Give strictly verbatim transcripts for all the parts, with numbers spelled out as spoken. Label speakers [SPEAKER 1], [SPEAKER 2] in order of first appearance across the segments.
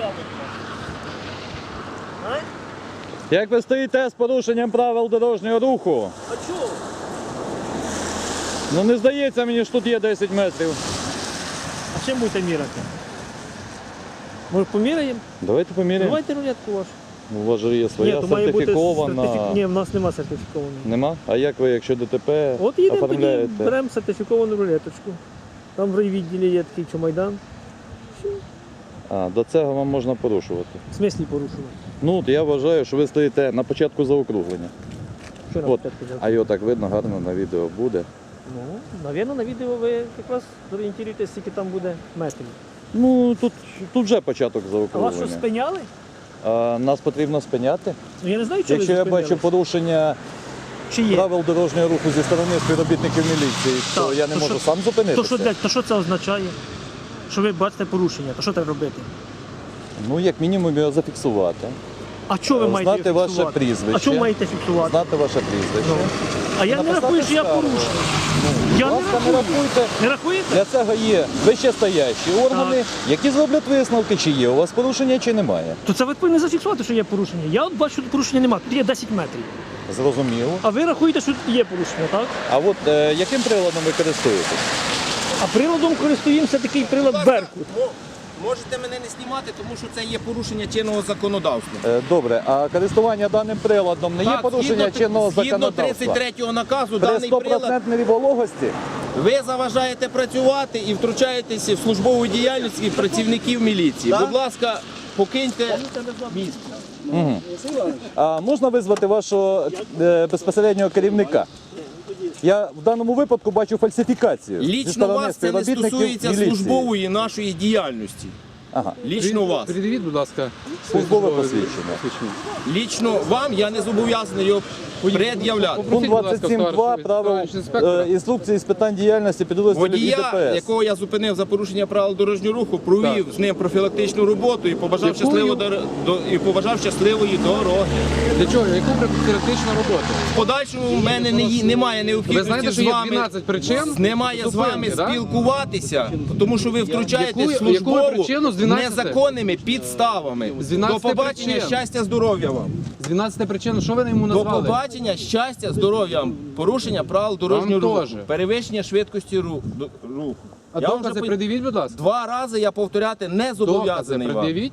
[SPEAKER 1] Як ви стоїте з порушенням правил дорожнього руху?
[SPEAKER 2] А чого?
[SPEAKER 1] Ну не здається мені, що тут є десять метрів.
[SPEAKER 2] А чим будете міряти? Може поміряємо?
[SPEAKER 1] Давайте поміряємо.
[SPEAKER 2] Давайте рулетку вашу.
[SPEAKER 1] У вас же є своя
[SPEAKER 2] то має бути
[SPEAKER 1] сертифікована.
[SPEAKER 2] сертифі- Ні, в нас нема сертифікованої.
[SPEAKER 1] Нема? А як ви, якщо ДТП
[SPEAKER 2] От їдемо тоді,
[SPEAKER 1] оформляєте?
[SPEAKER 2] беремо сертифіковану рулеточку. Там в райвідділі є такий чомайдан.
[SPEAKER 1] А, до цього вам можна порушувати.
[SPEAKER 2] В смислі порушувати.
[SPEAKER 1] Ну, от я вважаю, що ви стоїте на початку заокруглення.
[SPEAKER 2] Що нам
[SPEAKER 1] От.
[SPEAKER 2] опять казати?
[SPEAKER 1] А його так видно, гарно на відео буде.
[SPEAKER 2] Ну, навірно, на відео ви якраз зорієнтуєтесь, скільки там буде метрів.
[SPEAKER 1] Ну, тут, тут вже початок
[SPEAKER 2] А вас що
[SPEAKER 1] заокруглення.
[SPEAKER 2] спиняли?
[SPEAKER 1] А, нас потрібно спиняти.
[SPEAKER 2] Ну я не знаю, чи
[SPEAKER 1] Якщо
[SPEAKER 2] ви
[SPEAKER 1] я
[SPEAKER 2] зупинялись.
[SPEAKER 1] бачу порушення
[SPEAKER 2] Чи є?
[SPEAKER 1] правил дорожнього руху зі сторони співробітників міліції, то
[SPEAKER 2] Так,
[SPEAKER 1] я не
[SPEAKER 2] то
[SPEAKER 1] можу
[SPEAKER 2] що-
[SPEAKER 1] сам зупинитися.
[SPEAKER 2] То що, для- то що це означає? Що ви бачите порушення, то що треба робити?
[SPEAKER 1] Ну, як мінімум його зафіксувати.
[SPEAKER 2] А що ви
[SPEAKER 1] Е,
[SPEAKER 2] маєте
[SPEAKER 1] знати ваше
[SPEAKER 2] фіксувати?
[SPEAKER 1] прізвище.
[SPEAKER 2] А що маєте фіксувати?
[SPEAKER 1] Знати ваше прізвище.
[SPEAKER 2] Ну. А я не
[SPEAKER 1] Написати
[SPEAKER 2] рахую, що я
[SPEAKER 1] скаргу.
[SPEAKER 2] порушив.
[SPEAKER 1] Ну,
[SPEAKER 2] Я
[SPEAKER 1] будь
[SPEAKER 2] не
[SPEAKER 1] ласка, не
[SPEAKER 2] рахую.
[SPEAKER 1] рахуйте.
[SPEAKER 2] Не рахуєте?
[SPEAKER 1] Для цього є вищестоящі органи, які зроблять висновки, чи є у вас порушення, чи немає.
[SPEAKER 2] То це ви повинні зафіксувати, що є порушення. Я от бачу, що порушення немає, тут є десять метрів.
[SPEAKER 1] Зрозуміло.
[SPEAKER 2] А ви рахуєте, що тут є порушення, так?
[SPEAKER 1] А от е, яким приладом ви користуєтесь?
[SPEAKER 2] А приладом користуємося такий прилад Беркут.
[SPEAKER 3] Можете мене не знімати, тому що це є порушення чинного законодавства.
[SPEAKER 1] Е, добре, а користування даним приладом не є порушення
[SPEAKER 3] згідно,
[SPEAKER 1] чинного
[SPEAKER 3] згідно
[SPEAKER 1] законодавства?
[SPEAKER 3] тридцять третього наказу,
[SPEAKER 1] При
[SPEAKER 3] даний прилад
[SPEAKER 1] стопроцентній вологості?
[SPEAKER 3] ви заважаєте працювати і втручаєтеся в службову діяльність працівників міліції. Будь ласка, покиньте місце.
[SPEAKER 1] Угу. А можна визвати вашого е, безпосереднього керівника? Я в даному випадку бачу фальсифікацію. зі
[SPEAKER 3] Лічно
[SPEAKER 1] сторони
[SPEAKER 3] вас це не
[SPEAKER 1] співробітників
[SPEAKER 3] стосується
[SPEAKER 1] міліції.
[SPEAKER 3] службової нашої діяльності.
[SPEAKER 1] Ага.
[SPEAKER 3] Лічно вас.
[SPEAKER 4] Придивіть, будь ласка,
[SPEAKER 1] Службове
[SPEAKER 4] своє
[SPEAKER 1] посвідчення.
[SPEAKER 3] Лічно вам я не зобов'язаний його пред'являти.
[SPEAKER 1] Пункт
[SPEAKER 4] Попросіть, будь ласка,
[SPEAKER 1] двадцять сім два
[SPEAKER 4] товариш-
[SPEAKER 1] правил
[SPEAKER 4] товариш інспектора.
[SPEAKER 1] е, інструкції з питань діяльності підрозділів
[SPEAKER 3] Водія,
[SPEAKER 1] ІДПС.
[SPEAKER 3] якого я зупинив за порушення правил дорожнього руху, провів з ним профілактичну роботу і побажав
[SPEAKER 4] Якою?
[SPEAKER 3] щасливо дор- до і побажав щасливої дороги.
[SPEAKER 4] Для чого? Яку профілактичну роботу?
[SPEAKER 3] В подальшому в мене не є- немає
[SPEAKER 4] Ви
[SPEAKER 3] необхідності
[SPEAKER 4] знаєте, що
[SPEAKER 3] з
[SPEAKER 4] є
[SPEAKER 3] вами
[SPEAKER 4] дванадцять причин
[SPEAKER 3] немає з вами
[SPEAKER 4] зупинки, да?
[SPEAKER 3] спілкуватися, тому що ви втручаєтесь
[SPEAKER 4] Яку- яку
[SPEAKER 3] службову
[SPEAKER 4] причину з дванадцяти?
[SPEAKER 3] незаконними підставами.
[SPEAKER 4] З дванадцяти
[SPEAKER 3] До побачення,
[SPEAKER 4] причин.
[SPEAKER 3] щастя, здоров'я вам.
[SPEAKER 4] З дванадцяти причин, що ви йому
[SPEAKER 3] До
[SPEAKER 4] назвали?
[SPEAKER 3] побачення, щастя, здоров'я вам. Порушення правил дорожнього
[SPEAKER 4] Вам
[SPEAKER 3] руху,
[SPEAKER 4] теж.
[SPEAKER 3] перевищення швидкості ру- до- руху.
[SPEAKER 4] А
[SPEAKER 3] Я вам
[SPEAKER 4] докази
[SPEAKER 3] вже по-
[SPEAKER 4] придивіть, будь ласка.
[SPEAKER 3] Два рази я повторяти не
[SPEAKER 4] Докази
[SPEAKER 3] зобов'язаний вам.
[SPEAKER 4] придивіть.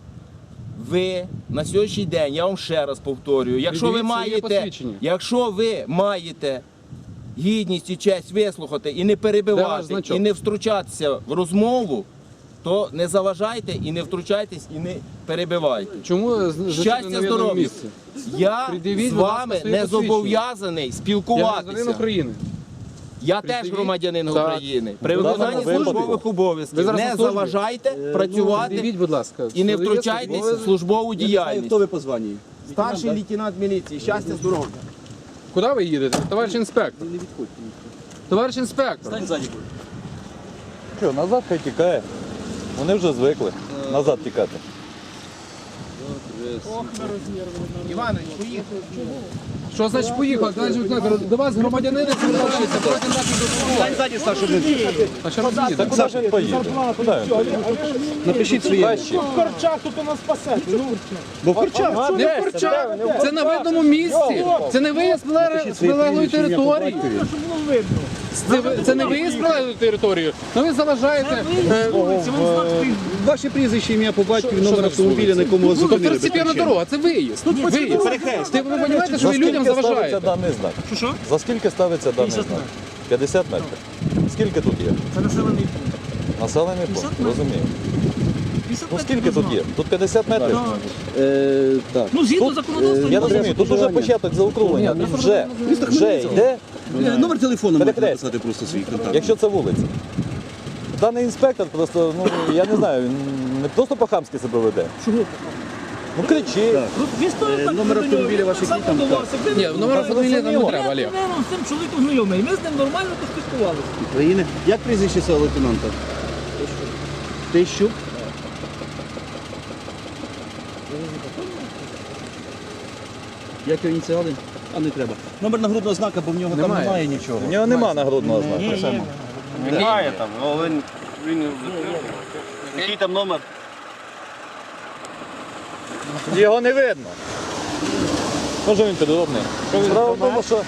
[SPEAKER 3] Ви на сьогоднішній день, я вам ще раз повторюю, якщо ви
[SPEAKER 4] Придивіть своє
[SPEAKER 3] маєте,
[SPEAKER 4] посвідчення.
[SPEAKER 3] якщо ви маєте гідність і честь вислухати і не
[SPEAKER 4] Де ваш
[SPEAKER 3] перебивати,
[SPEAKER 4] значок?
[SPEAKER 3] і не втручатися в розмову, то не заважайте і не втручайтесь, і не перебивайте.
[SPEAKER 4] Чому з- зачинено
[SPEAKER 3] Щастя,
[SPEAKER 4] на видному
[SPEAKER 3] здоров'я.
[SPEAKER 4] місці?
[SPEAKER 3] Я
[SPEAKER 4] Придивіть,
[SPEAKER 3] з
[SPEAKER 4] будь ласка,
[SPEAKER 3] вами
[SPEAKER 4] своє
[SPEAKER 3] не
[SPEAKER 4] посвідчення.
[SPEAKER 3] зобов'язаний
[SPEAKER 4] Я громадянин
[SPEAKER 3] спілкуватися.
[SPEAKER 4] України.
[SPEAKER 3] Я теж
[SPEAKER 4] Придивіть.
[SPEAKER 3] громадянин
[SPEAKER 4] Так.
[SPEAKER 3] України. При
[SPEAKER 1] В даному
[SPEAKER 3] виконанні
[SPEAKER 1] випадку.
[SPEAKER 3] службових
[SPEAKER 4] Ви
[SPEAKER 3] обов'язків
[SPEAKER 4] зараз
[SPEAKER 3] не
[SPEAKER 4] на службі?
[SPEAKER 3] заважайте працювати
[SPEAKER 4] Придивіть, будь ласка.
[SPEAKER 3] і не
[SPEAKER 4] своє
[SPEAKER 3] втручайтесь
[SPEAKER 4] службове-
[SPEAKER 3] в службову діяльність.
[SPEAKER 5] Хто ви по званні?
[SPEAKER 3] Старший лейтенант міліції, щастя, здоров'я.
[SPEAKER 4] Куди ви їдете? Товариш інспектор.
[SPEAKER 5] Не відходьте.
[SPEAKER 4] Товариш інспектор.
[SPEAKER 5] Стань ззаді.
[SPEAKER 1] Що, назад хай тікає. Вони вже звикли назад тікати.
[SPEAKER 3] Іванович, поїхали.
[SPEAKER 4] Що значить поїхав? Значить, до вас громадянини звертаються проти наших дозволів.
[SPEAKER 5] Стань ззаді, старший лейтенант.
[SPEAKER 4] А що робити?
[SPEAKER 1] Та куди ж він поїде? Куди він поїде?
[SPEAKER 5] Напишіть своє.
[SPEAKER 1] Краще.
[SPEAKER 5] Бо в Корчах.
[SPEAKER 4] Не в Корчах. Це на видному місці. Це не виїзд з прилеглої- з прилеглої території. Це, ви- це не виїзд з прилеглої території. Ну ви заважаєте. е,
[SPEAKER 5] Ваше прізвище, ім'я по батькові,
[SPEAKER 4] Що
[SPEAKER 5] номер
[SPEAKER 4] за
[SPEAKER 5] автомобіля, на якому вас
[SPEAKER 4] Тобто
[SPEAKER 5] зупинили. без
[SPEAKER 4] второстепенна
[SPEAKER 5] причини.
[SPEAKER 4] дорога, це виїзд. Виїзд. Ти, ви розумієте, що
[SPEAKER 1] За
[SPEAKER 4] ви людям
[SPEAKER 1] скільки ставиться
[SPEAKER 4] заважаєте?
[SPEAKER 1] даний знак?
[SPEAKER 2] Що що?
[SPEAKER 1] За скільки ставиться даний
[SPEAKER 2] п'ятдесят
[SPEAKER 1] знак? п'ятдесят метрів. Скільки тут є?
[SPEAKER 2] Це населений пункт.
[SPEAKER 1] Населений пункт,
[SPEAKER 2] метрів.
[SPEAKER 1] розумію.
[SPEAKER 2] п'ятдесят
[SPEAKER 1] Ну
[SPEAKER 2] метрів
[SPEAKER 1] скільки тут є? Тут п'ятдесят метрів?
[SPEAKER 2] Так.
[SPEAKER 5] Е, Так.
[SPEAKER 2] Ну, згідно
[SPEAKER 1] Тут,
[SPEAKER 2] законодавства,
[SPEAKER 1] Я
[SPEAKER 2] не
[SPEAKER 1] розумію, тут вже початок заокруглення. Тут вже, вже йде,
[SPEAKER 5] Е, Номер телефону можете
[SPEAKER 1] Перехрест.
[SPEAKER 5] написати просто свій контакт.
[SPEAKER 1] якщо це вулиця. Даний інспектор просто, ну я не знаю, він не просто по-хамськи себе веде.
[SPEAKER 2] Чого?
[SPEAKER 1] Ну кричить.
[SPEAKER 2] Ну, він стоїть
[SPEAKER 5] Е,
[SPEAKER 2] так
[SPEAKER 5] номер
[SPEAKER 2] до нього,
[SPEAKER 5] автомобіля
[SPEAKER 2] він
[SPEAKER 5] ваш
[SPEAKER 2] так
[SPEAKER 5] який
[SPEAKER 2] само
[SPEAKER 5] там,
[SPEAKER 2] вдавався. Ви-
[SPEAKER 4] Ні, номер автомобіля нам не треба,
[SPEAKER 2] Я,
[SPEAKER 4] Олег.
[SPEAKER 2] напевно, з цим чоловіком знайомий. Ми з ним нормально поспілкувалися.
[SPEAKER 5] України. Як прізвище цього лейтенанта? Тищук. Як його ініціали? А не треба. Номер нагрудного знака, бо в нього там
[SPEAKER 4] Немає.
[SPEAKER 5] немає нічого.
[SPEAKER 1] У нього нема нагрудного знаку.
[SPEAKER 6] Немає там, але він, він який там номер?
[SPEAKER 1] Його не видно. Може він підробний. Справа в тому, що...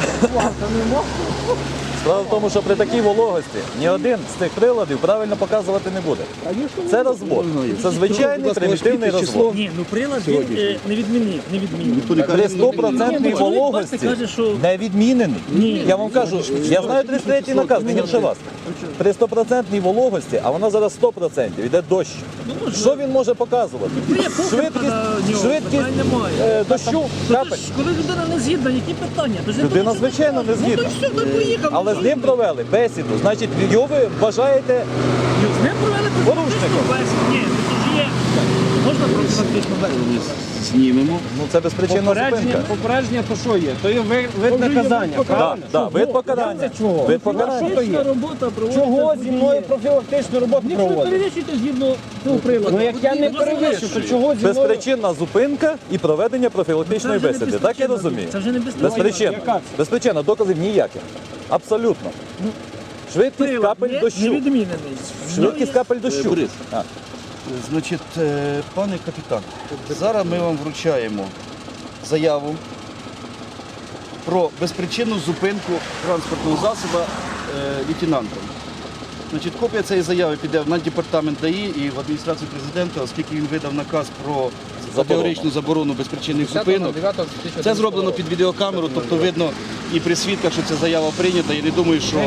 [SPEAKER 1] Справа в тому, що при такій вологості ні один з цих приладів правильно показувати не буде. Це розвод. Це звичайний примітивний розвод.
[SPEAKER 2] Ні, ну прилад він е, не відмінив, не відмінив.
[SPEAKER 1] При стопроцентній
[SPEAKER 2] Ні, ну, чоловік,
[SPEAKER 1] вологості
[SPEAKER 2] бачите, каже, що-
[SPEAKER 1] не відмінений.
[SPEAKER 2] Ні.
[SPEAKER 1] Я вам кажу, я знаю тридцять третій наказ, не гірше вас. При стопроцентній вологості, а вона зараз сто відсотків, йде дощ. Що він може показувати? Швидкість, швидкість е, дощу, капель.
[SPEAKER 2] Коли людина не згідна, які питання? То ж не
[SPEAKER 1] Людина,
[SPEAKER 2] було
[SPEAKER 1] звичайно, не
[SPEAKER 2] питання.
[SPEAKER 1] згідна.
[SPEAKER 2] Ну, то все, то поїхав.
[SPEAKER 1] Але з ним провели бесіду. Значить, його ви вважаєте
[SPEAKER 2] З ним провели
[SPEAKER 1] порушником.
[SPEAKER 2] бесіду. Ні, ну це ж є. Можна профілактичну бесіду?
[SPEAKER 5] Знімемо.
[SPEAKER 1] Ну це безпричинна зупинка.
[SPEAKER 6] Попередження то що є? То є ви- вид наказання,
[SPEAKER 1] Так,
[SPEAKER 6] правильно?
[SPEAKER 1] так, вид покарання.
[SPEAKER 6] Чого?
[SPEAKER 1] Вид покарання.
[SPEAKER 2] Профілактична робота проводиться.
[SPEAKER 6] Чого
[SPEAKER 2] з
[SPEAKER 6] зі мною
[SPEAKER 2] водієм.
[SPEAKER 6] профілактичну роботу
[SPEAKER 2] Якщо ви
[SPEAKER 6] проводить?
[SPEAKER 2] перевищуєте згідно цього приладу.
[SPEAKER 6] Ну як я не
[SPEAKER 2] будь ласка,
[SPEAKER 6] перевищу, то чого зі мною?
[SPEAKER 1] Безпричинна зупинка і проведення профілактичної
[SPEAKER 2] Це вже не
[SPEAKER 1] бесіди. Так я
[SPEAKER 2] безпричинна
[SPEAKER 1] розумію?
[SPEAKER 2] зупинка. Це вже не безпричинна.
[SPEAKER 1] Безпричинна.
[SPEAKER 6] Яка це?
[SPEAKER 1] Безпричинна, доказів ніяких. Абсолютно. Швидкість
[SPEAKER 2] Прилад
[SPEAKER 1] капель
[SPEAKER 2] є
[SPEAKER 1] дощу.
[SPEAKER 2] невідмінений.
[SPEAKER 1] Швидкість капель дощу.
[SPEAKER 5] Борис.
[SPEAKER 1] А.
[SPEAKER 5] Значить, е, пане капітан, зараз ми вам вручаємо заяву про безпричинну зупинку транспортного засобу е, лейтенантом. Значить, копія цієї заяви піде на департамент ДАІ і в адміністрацію президента, оскільки він видав наказ про категоричну заборону безпричинних зупинок. Це зроблено під відеокамеру, тобто видно і при свідках, що ця заява прийнята. Я не думаю, що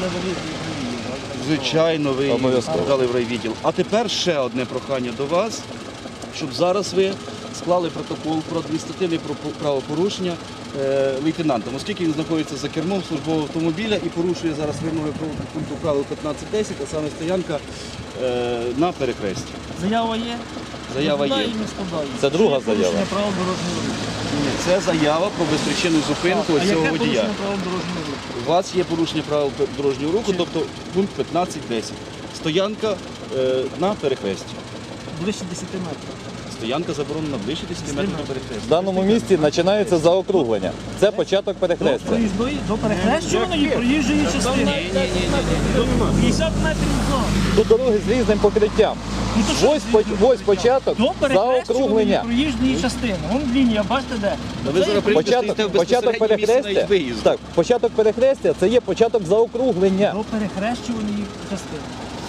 [SPEAKER 5] звичайно ви її
[SPEAKER 1] Обов'язково.
[SPEAKER 5] дали в райвідділ. А тепер ще одне прохання до вас, щоб зараз ви склали протокол про адміністративне про- правопорушення е, лейтенантом, оскільки він знаходиться за кермом службового автомобіля і порушує зараз вимоги про- пункту правил п'ятнадцять десять, а саме стоянка е, на перехресті.
[SPEAKER 2] Заява є?
[SPEAKER 5] Заява є.
[SPEAKER 2] Складаю і не складаю.
[SPEAKER 1] Це друга
[SPEAKER 2] Є порушення
[SPEAKER 1] заява.
[SPEAKER 2] правил дорожнього руху.
[SPEAKER 5] Ні, це заява про безпричинну зупинку
[SPEAKER 2] А
[SPEAKER 5] ось цього
[SPEAKER 2] яке
[SPEAKER 5] водія.
[SPEAKER 2] порушення правил дорожнього руху?
[SPEAKER 5] У вас є порушення правил дорожнього руху, тобто пункт п'ятнадцять десять. Стоянка е, на перехресті.
[SPEAKER 2] Ближче десяти метрів.
[SPEAKER 5] Стоянка заборонена ближче десяти метрів до
[SPEAKER 1] В
[SPEAKER 5] перехрестя.
[SPEAKER 1] даному місці починається заокруглення. Це початок
[SPEAKER 2] До
[SPEAKER 1] перехрестя.
[SPEAKER 2] проїзної, до перехрещуваної проїжджої частини. До п'ятдесят метрів зон.
[SPEAKER 1] Тут дороги з різним покриттям.
[SPEAKER 2] Ну, то що
[SPEAKER 1] Ось,
[SPEAKER 2] це
[SPEAKER 1] по-
[SPEAKER 2] за
[SPEAKER 1] ось початок
[SPEAKER 2] До перехрещуваної
[SPEAKER 1] заокруглення.
[SPEAKER 2] проїжджої частини. Вон лінія, бачите де?
[SPEAKER 5] Та ви зараз прийдете,
[SPEAKER 1] Початок,
[SPEAKER 5] стоїте в
[SPEAKER 1] початок
[SPEAKER 5] безпосередньо місці
[SPEAKER 1] перехрестя.
[SPEAKER 5] навіть виїзду.
[SPEAKER 1] Так, початок перехрестя це є початок заокруглення.
[SPEAKER 2] До перехрещуваної частини.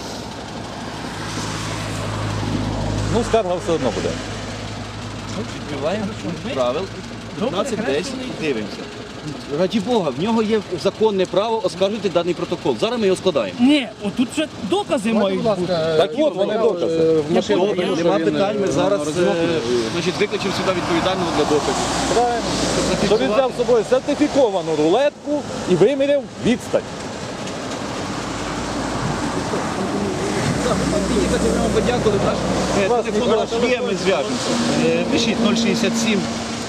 [SPEAKER 1] Ну, скарга все одно буде.
[SPEAKER 5] Відкриваємо пункт правил
[SPEAKER 2] До
[SPEAKER 5] п'ятнадцять десять
[SPEAKER 2] перехрещуваної.
[SPEAKER 5] і дивимося. Раді Бога, в нього є законне право оскаржити даний протокол. Зараз ми його складаємо.
[SPEAKER 2] Ні, отут вже докази мають
[SPEAKER 4] Будь
[SPEAKER 2] бути.
[SPEAKER 4] ласка,
[SPEAKER 1] Так от, вони докази.
[SPEAKER 4] в машину
[SPEAKER 5] Добре,
[SPEAKER 4] тому, що
[SPEAKER 5] нема
[SPEAKER 4] він,
[SPEAKER 5] питань, ми
[SPEAKER 4] е,
[SPEAKER 5] зараз
[SPEAKER 4] розмовляє.
[SPEAKER 5] е, значить, викличемо сюди відповідального для доказів.
[SPEAKER 1] Правильно. Що він взяв з собою сертифіковану рулетку і виміряв відстань.
[SPEAKER 5] Під'їхати, ми вам подякували. Наш е, телефон наш є, ми зв'яжемося. Е, Пишіть нуль шістдесят сім.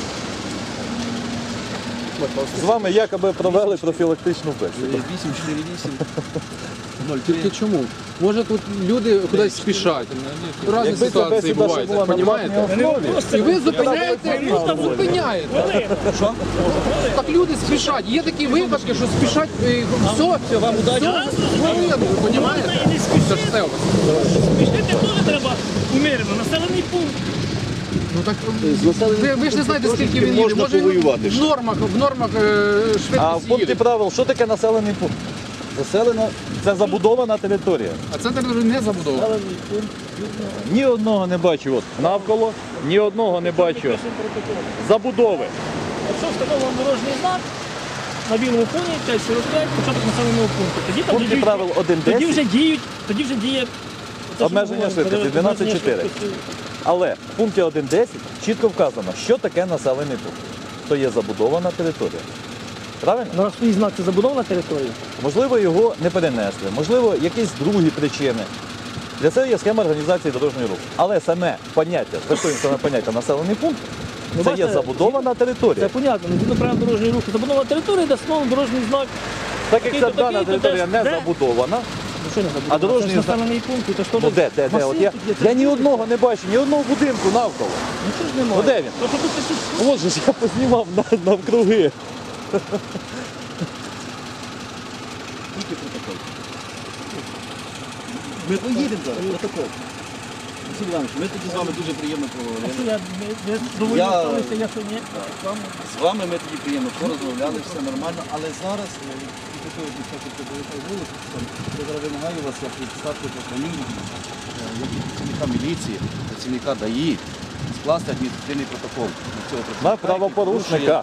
[SPEAKER 1] З вами якоби провели профілактичну бесіду.
[SPEAKER 5] вісім чотири вісім.
[SPEAKER 4] Тільки чому? Може тут люди кудись спішать. Різні
[SPEAKER 1] Якби ця
[SPEAKER 4] ситуації
[SPEAKER 1] бесіда ще
[SPEAKER 4] бувають,
[SPEAKER 1] була на
[SPEAKER 4] розумієте?
[SPEAKER 1] платній основі,
[SPEAKER 4] І ви зупиняєте, просто зупиняєте.
[SPEAKER 5] Що?
[SPEAKER 4] Так люди спішать. Є такі випадки, що спішать, і все, все, вам удачі. Ви розумієте? Це ж все у вас.
[SPEAKER 2] Пішли теж треба умірено. Населений пункт.
[SPEAKER 4] Ну так ви, ви ж не знаєте, скільки він їде.
[SPEAKER 5] Можна
[SPEAKER 4] Може він
[SPEAKER 5] повоювати
[SPEAKER 4] в
[SPEAKER 5] ж.
[SPEAKER 4] нормах, в нормах е,
[SPEAKER 1] А в
[SPEAKER 4] швидкість
[SPEAKER 1] пункті
[SPEAKER 4] їде.
[SPEAKER 1] правил, що таке населений пункт? Заселена, це забудована територія.
[SPEAKER 4] А центр вже не забудовано.
[SPEAKER 1] Ні одного не бачу от навколо, ні одного не бачу забудови.
[SPEAKER 2] Якщо встановлено дорожній знак на білому фоні п'ять сорок п'ять, початок населеного пункту. Тоді
[SPEAKER 1] В
[SPEAKER 2] там
[SPEAKER 1] пункті
[SPEAKER 2] вже
[SPEAKER 1] правил
[SPEAKER 2] діють-
[SPEAKER 1] один
[SPEAKER 2] тоді вже
[SPEAKER 1] десять,
[SPEAKER 2] діють, тоді вже діє це, що
[SPEAKER 1] Обмеження
[SPEAKER 2] ми говоримо,
[SPEAKER 1] швидкості дванадцять чотири.
[SPEAKER 2] швидкості.
[SPEAKER 1] але в пункті один десять чітко вказано, що таке населений пункт. То є забудована територія. Правильно?
[SPEAKER 2] Ну, а свій знак це забудована територія.
[SPEAKER 1] Можливо, його не перенесли, можливо, якісь другі причини. Для цього є схема організації дорожнього руху. Але саме поняття, звертуємо саме поняття населений пункт,
[SPEAKER 2] Ну,
[SPEAKER 1] це є
[SPEAKER 2] бачите,
[SPEAKER 1] забудована територія.
[SPEAKER 2] Це понятно, ну, згідно правил дорожнього руху. Забудована територія, де встановлений дорожній знак.
[SPEAKER 1] Так як
[SPEAKER 2] такий-то,
[SPEAKER 1] ця дана
[SPEAKER 2] такий-то,
[SPEAKER 1] територія
[SPEAKER 2] де-
[SPEAKER 1] не
[SPEAKER 2] де?
[SPEAKER 1] забудована,
[SPEAKER 2] Ну, що не забудована?
[SPEAKER 1] А дорожній
[SPEAKER 2] Це ж
[SPEAKER 1] знак?
[SPEAKER 2] населений пункт, це ж теж
[SPEAKER 1] ну де, де, де? От я, я ні одного не бачу, ні одного будинку навколо.
[SPEAKER 2] Нічого ж немає.
[SPEAKER 1] Ну, де він?
[SPEAKER 2] То, що тут такі-
[SPEAKER 1] От же ж я познімав на- навкруги.
[SPEAKER 5] Ми поїдемо зараз, протокол. Василь Іванович, ми тоді з вами дуже приємно
[SPEAKER 2] А
[SPEAKER 5] поговорили.
[SPEAKER 2] що я ви- ви доволі
[SPEAKER 5] Я-
[SPEAKER 2] сталися, я що ні? З вами?
[SPEAKER 5] З вами ми тоді приємно порозмовляли, все нормально, але зараз е, і такої дівчатки повертаю вулицю, я зараз вимагаю вас, як від старшого по фамілії, як від працівника міліції, працівника ДАІ, скласти адміністративний протокол на цього
[SPEAKER 1] На
[SPEAKER 5] працівника, який
[SPEAKER 1] правопорушника.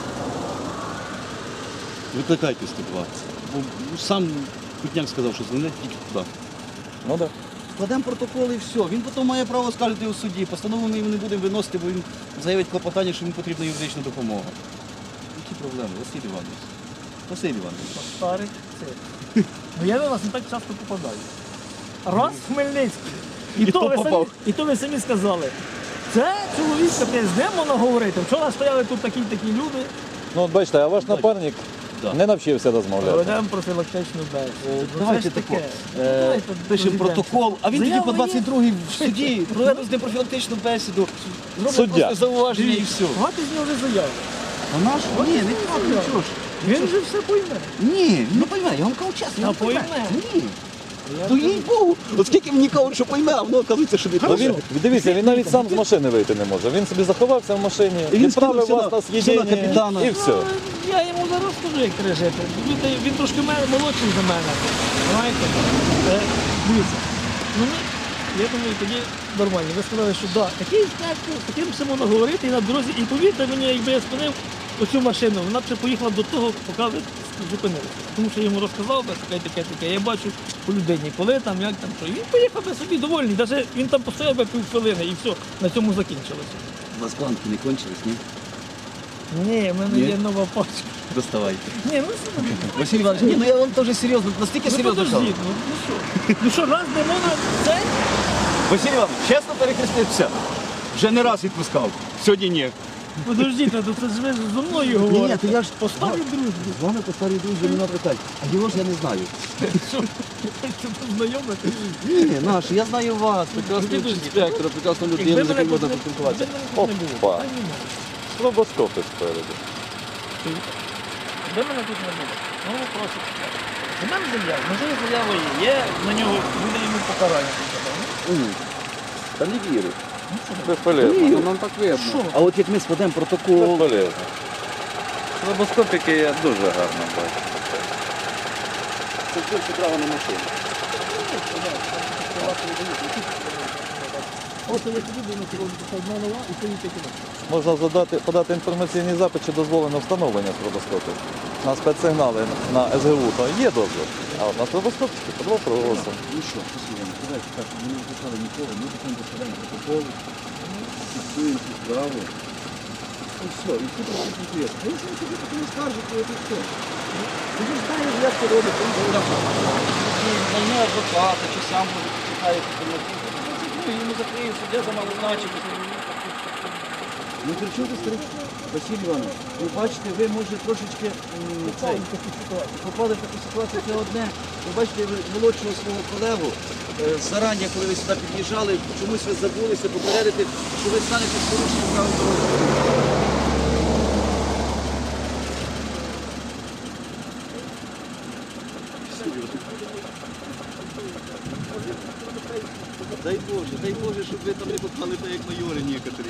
[SPEAKER 5] порушує. Викликайте сто двадцять. Бо сам Кутняк сказав, що дзвонить тільки туди.
[SPEAKER 1] Ну так.
[SPEAKER 5] Складемо протокол і все. Він потім має право скаржити у суді. Постанову ми йому не будемо виносити, бо він заявить клопотання, що йому потрібна юридична допомога. Які проблеми, Василь Іванович? Василь Іванович.
[SPEAKER 2] Старий це. Ну я до вас не так часто попадаю. Раз в Хмельницький. І,
[SPEAKER 5] І
[SPEAKER 2] то,
[SPEAKER 5] то
[SPEAKER 2] ви самі,
[SPEAKER 5] попав.
[SPEAKER 2] і то ви самі сказали. Це чоловік, капець, з ним можна говорити. Вчора стояли тут такі такі люди.
[SPEAKER 1] Ну от бачите, а ваш напарник
[SPEAKER 5] Да.
[SPEAKER 1] не навчився розмовляти.
[SPEAKER 2] Проведемо профілактичну бесіду. Ну,
[SPEAKER 5] Давайте
[SPEAKER 2] це ж
[SPEAKER 5] тако.
[SPEAKER 2] таке.
[SPEAKER 5] Е,
[SPEAKER 2] Давайте
[SPEAKER 5] Пишемо
[SPEAKER 2] розійдемося.
[SPEAKER 5] протокол, а він тоді
[SPEAKER 2] Заява
[SPEAKER 5] по
[SPEAKER 2] є.
[SPEAKER 5] двадцять другій в суді проведе з ним профілактичну бесіду. Зробить
[SPEAKER 1] Суддя.
[SPEAKER 5] просто зауваження і все.
[SPEAKER 2] Давайте з нього вже заяву.
[SPEAKER 5] А наш? Ні, не так, нічого ж.
[SPEAKER 2] Він вже все пойме.
[SPEAKER 5] Ні, він не пойме, я вам кажу чесно,
[SPEAKER 2] А
[SPEAKER 5] не пойме.
[SPEAKER 2] пойме?
[SPEAKER 5] Ні. Ну їй Богу, оскільки мені кажуть, що пойме, а воно оказується, що не
[SPEAKER 1] Ну, він, дивіться, він навіть сам з машини вийти не може. Він собі заховався в машині,
[SPEAKER 5] І він
[SPEAKER 1] відправив
[SPEAKER 5] скинувся
[SPEAKER 1] вас
[SPEAKER 5] на-
[SPEAKER 1] на
[SPEAKER 5] сюди
[SPEAKER 1] з'їдення
[SPEAKER 5] капітана.
[SPEAKER 1] і все.
[SPEAKER 2] Ну, я йому зараз скажу, як треба жити. Він, він трошки мене- молодший за мене. Знаєте? Е, дивіться. Ну, ми, я думаю, тоді нормально. Ви сказали, що да, такий інспектор, з таким все можна говорити і на дорозі. І повірте мені, якби я спинив оцю машину, вона б ще поїхала до того, поки ви зупинилися. Тому що я йому розказав би таке, таке, таке. Я бачу по людині, коли там, як там, що. І він поїхав би собі довольний. Навіть він там постояв би півхвилини і все, на цьому закінчилося.
[SPEAKER 5] У вас планки не кончились, ні?
[SPEAKER 2] Ні, в мене
[SPEAKER 5] Ні?
[SPEAKER 2] є нова пачка.
[SPEAKER 5] Доставайте.
[SPEAKER 2] Ні, ну все.
[SPEAKER 5] Василь Іванович, ні, ну я вам теж серйозно, настільки
[SPEAKER 2] Ну
[SPEAKER 5] серйозно кажу.
[SPEAKER 2] подожди, ну, ну що? Ну що, раз не можна це?
[SPEAKER 5] Василь Іванович, чесно перехрестився. Вже не раз відпускав. Сьогодні ні.
[SPEAKER 2] Подождіть, ну це ж ви зі мною
[SPEAKER 5] Ні,
[SPEAKER 2] говорите.
[SPEAKER 5] то я ж
[SPEAKER 2] По старій дружбі.
[SPEAKER 5] з вами по старій друзі нема питань. А його ж я не знаю.
[SPEAKER 2] Що? Це знайомити?
[SPEAKER 5] Ні, ні, наш, я знаю вас, прекрасного інспектора, прекрасного людину, з яким можна поспілкуватися.
[SPEAKER 1] Опа. Стробоскопи спереду.
[SPEAKER 2] Де мене тут не було? Ну, просто. У мене заява, можливо, заява є, є, на нього буде йому покарання.
[SPEAKER 5] Та не вірю.
[SPEAKER 1] Безполезно.
[SPEAKER 4] Ну, нам так видно.
[SPEAKER 2] Що?
[SPEAKER 5] А от як ми складемо протокол,
[SPEAKER 1] Безполезно. Стробоскопики я дуже гарно бачу.
[SPEAKER 5] це більше право на машину.
[SPEAKER 2] Ось я тобі думаю, що одна нова і це такі.
[SPEAKER 1] Можна задати, подати інформаційний запит, чи дозволено встановлення стробоскопів. На спецсигнали на ес ге у то є дозвіл, а от на стробоскопчики під вопросом.
[SPEAKER 5] Ну що, послухаємо, давайте так, ми не виписали нікого, ми потім доставляємо протокол, фіксуємо цю справу. І все, і все про це інтересно. А якщо ви собі потім скаржите, то все. Ви ж знаєте, як це робить, він говорить, що найме адвоката, чи сам може почитає інформацію. Ну, йому закриє суддя за малозначимість. Ну, при чому ти старий? Василь Іванович, ви бачите, ви може трошечки м, цей, попали в таку ситуацію, це одне. Ви бачите, ви молодшого свого колегу е, зарані, коли ви сюди під'їжджали, чомусь ви забулися попередити, що ви станете з порушенням правил дорожнього руху. Дай Боже, дай Боже, щоб ви там не попали так, як майори некоторі.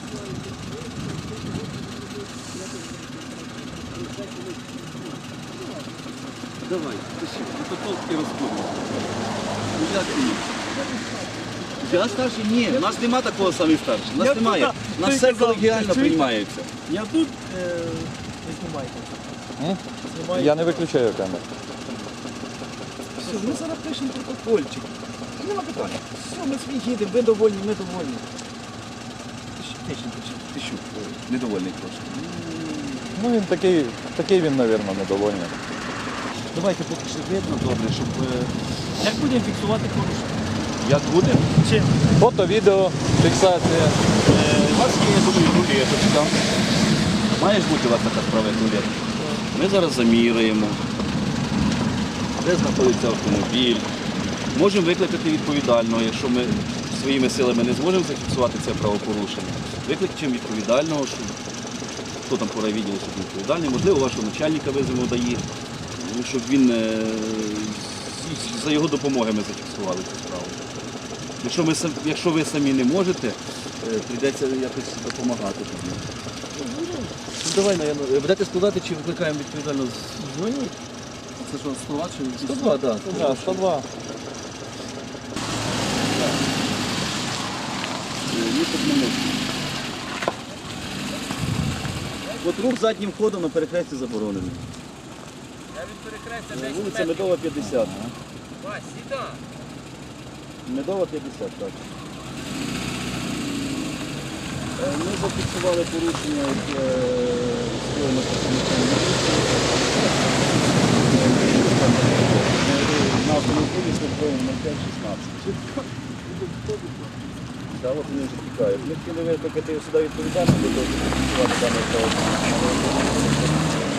[SPEAKER 5] Давай, пиши, протокол і розходимо. Ну як ти? Я старший? Ні, у нас нема такого самий старший. У нас
[SPEAKER 2] Я
[SPEAKER 5] немає.
[SPEAKER 2] туди,
[SPEAKER 5] У нас
[SPEAKER 2] ти
[SPEAKER 5] все
[SPEAKER 2] казав,
[SPEAKER 5] колегіально
[SPEAKER 2] чуєте?
[SPEAKER 5] приймається.
[SPEAKER 2] Я тут е, не знімайте.
[SPEAKER 1] М?
[SPEAKER 2] Знімайте.
[SPEAKER 1] Я не виключаю камеру.
[SPEAKER 5] Все, ми зараз пишемо протокольчик. Нема питання. Все, ми свій їдемо, ви довольні, ми довольні. Ти що, ти що, недовольний трошки.
[SPEAKER 1] Ну він такий, такий він, мабуть, недовольний.
[SPEAKER 5] Давайте поки що видно добре, щоб... е,
[SPEAKER 2] Як будемо фіксувати порушення?
[SPEAKER 5] Як буде?
[SPEAKER 2] Чим?
[SPEAKER 1] Фото, відео, фіксація.
[SPEAKER 5] Е, У вас є, я думаю, рулеточка. Має ж бути у вас така справа, як рулетка. Ми зараз заміряємо, де знаходиться автомобіль. Можемо викликати відповідального, якщо ми своїми силами не зможемо зафіксувати це правопорушення. Викликаємо відповідального, що хто там по райвідділу, щоб він відповідальний. Можливо, вашого начальника визовемо ДАІ, ну, щоб він е, за його допомогою ми зафіксували цю справу. Якщо, ми, сам- якщо ви самі не можете, е, прийдеться якось допомагати тоді. Ну, давай, наверное, будете складати чи викликаємо відповідально з
[SPEAKER 2] Дзвоніть.
[SPEAKER 5] Це що, сто два чи сто два, так.
[SPEAKER 1] Да, сто два.
[SPEAKER 5] Їхати не можна. От рух заднім ходом на перехресті заборонений. Вулиця Медова, п'ятдесят. Медова, п'ятдесят, так. Е, Ми зафіксували порушення, яке скоєно працівниками міліції. На автомобілі службовим нуль п'ять шістнадцять. Так, от вони вже тікають. Ми хотіли викликати сюди відповідальність, для того, щоб фіксувати дане правопорушення.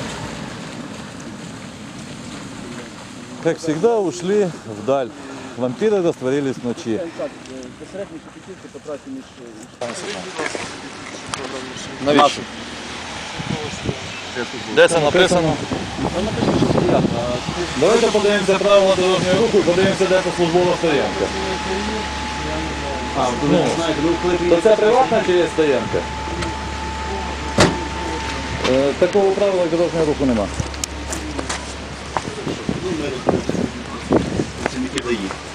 [SPEAKER 1] Как всегда, ушли вдаль. Вампиры растворились в ночи.
[SPEAKER 5] Так, безсередні шепетівки потрапі між...
[SPEAKER 1] Навіщо? Де це написано? Давайте подивимося правила дорожнього руху і подивимося, де це службова стоянка.
[SPEAKER 5] А, ви не знаєте, ви коли
[SPEAKER 1] То
[SPEAKER 5] приїдете...
[SPEAKER 1] це приватна чи є стоянка? Е, Такого правила дорожнього руху нема.
[SPEAKER 5] Ну, ми розуміємо. Працівники ДАІ.